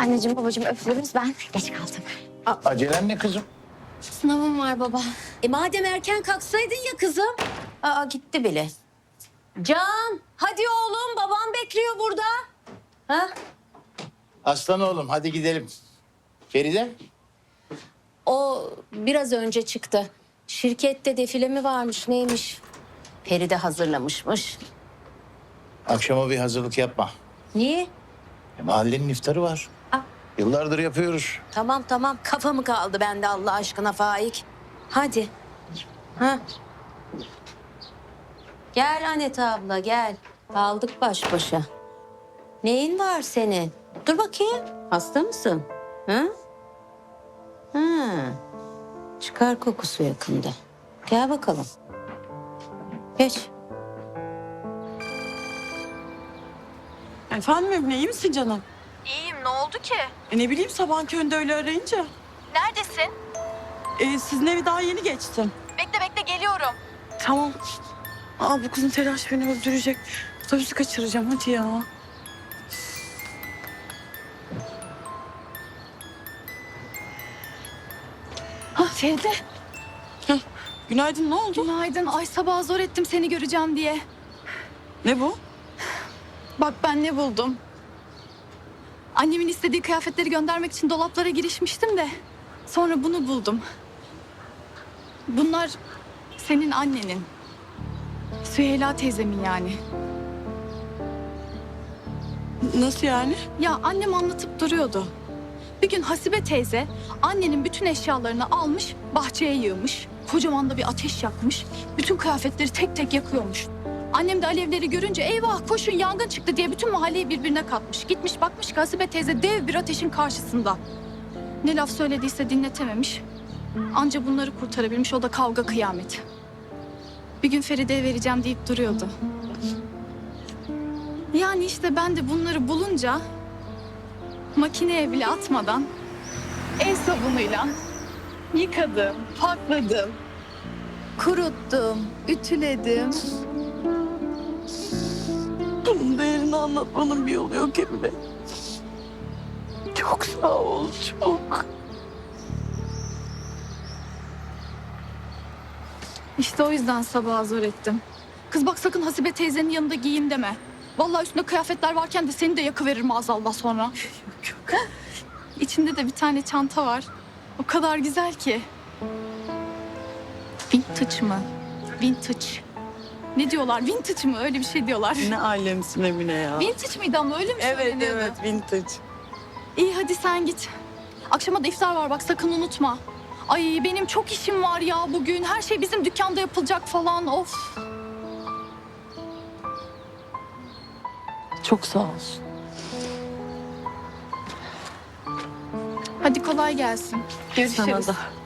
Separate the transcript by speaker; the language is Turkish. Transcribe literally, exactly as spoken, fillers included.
Speaker 1: Anneciğim babacığım öpüyoruz, ben geç kaldım.
Speaker 2: Acelen ne kızım?
Speaker 1: Sınavım var baba.
Speaker 3: E madem erken kalksaydın ya kızım. Aa gitti bile. Can hadi oğlum babam bekliyor burada. Ha?
Speaker 2: Aslan oğlum hadi gidelim. Feride?
Speaker 3: O biraz önce çıktı. Şirkette defile mi varmış neymiş? Feride hazırlamışmış.
Speaker 2: Akşama bir hazırlık yapma.
Speaker 3: Niye?
Speaker 2: E, mahallenin iftarı var.
Speaker 3: Aa.
Speaker 2: Yıllardır yapıyoruz.
Speaker 3: Tamam tamam kafamı kaldı bende Allah aşkına Faik. Hadi. Ha. Gel Anet abla gel. Kaldık baş başa. Neyin var senin? Dur bakayım. Hasta mısın? Ha? Ha. Çıkar kokusu yakında. Gel bakalım. Geç.
Speaker 4: Efendim Emine, iyi misin canım?
Speaker 5: İyiyim, ne oldu ki?
Speaker 4: E ne bileyim, sabahın köründe öyle arayınca.
Speaker 5: Neredesin?
Speaker 4: E, sizin evi daha yeni geçtim.
Speaker 5: Bekle bekle geliyorum.
Speaker 4: Tamam. Aa, bu kızın telaşı beni öldürecek. Otobüsü kaçıracağım, hadi ya.
Speaker 6: Ha Feride,
Speaker 4: Heh, günaydın, ne oldu?
Speaker 6: günaydın. Ay sabah zor ettim seni göreceğim diye.
Speaker 4: Ne bu?
Speaker 6: Bak ben ne buldum. Annemin istediği kıyafetleri göndermek için dolaplara girişmiştim de. Sonra bunu buldum. Bunlar senin annenin. Süheyla teyzemin yani.
Speaker 4: Nasıl yani?
Speaker 6: Ya annem anlatıp duruyordu. Bir gün Hasibe teyze annenin bütün eşyalarını almış, bahçeye yığmış. Kocaman da bir ateş yakmış. Bütün kıyafetleri tek tek yakıyormuş. Annem de alevleri görünce eyvah koşun yangın çıktı diye bütün mahalleyi birbirine katmış. Gitmiş bakmış ki Hasibe teyze dev bir ateşin karşısında. Ne laf söylediyse dinletememiş. Anca bunları kurtarabilmiş, o da kavga kıyamet. Bir gün Feride'ye vereceğim deyip duruyordu. Yani işte ben de bunları bulunca makineye bile atmadan el sabunuyla yıkadım, pakladım, kuruttum, ütüledim.
Speaker 4: Bunun değerini anlatmanın bir yolu yok Emine. Çok sağ ol, çok.
Speaker 6: İşte o yüzden sabaha zor ettim. Kız bak sakın Hasibe teyzenin yanında giyeyim deme. Vallahi üstünde kıyafetler varken de seni de yakıverir maazallah sonra.
Speaker 4: Yok yok.
Speaker 6: İçinde de bir tane çanta var. O kadar güzel ki. Vintage mı? Vintage. Ne diyorlar? Vintage mı? Öyle bir şey diyorlar.
Speaker 4: Ne alemsin Emine ya.
Speaker 6: Vintage miydi ama öyle mi
Speaker 4: Evet
Speaker 6: söyleniyordu?
Speaker 4: evet, vintage.
Speaker 6: İyi hadi sen git. Akşama da iftar var bak sakın unutma. Ay benim çok işim var ya bugün. Her şey bizim dükkanda yapılacak falan. Of.
Speaker 4: Çok sağ ol.
Speaker 6: Hadi kolay gelsin. Görüşürüz.
Speaker 4: Sana da.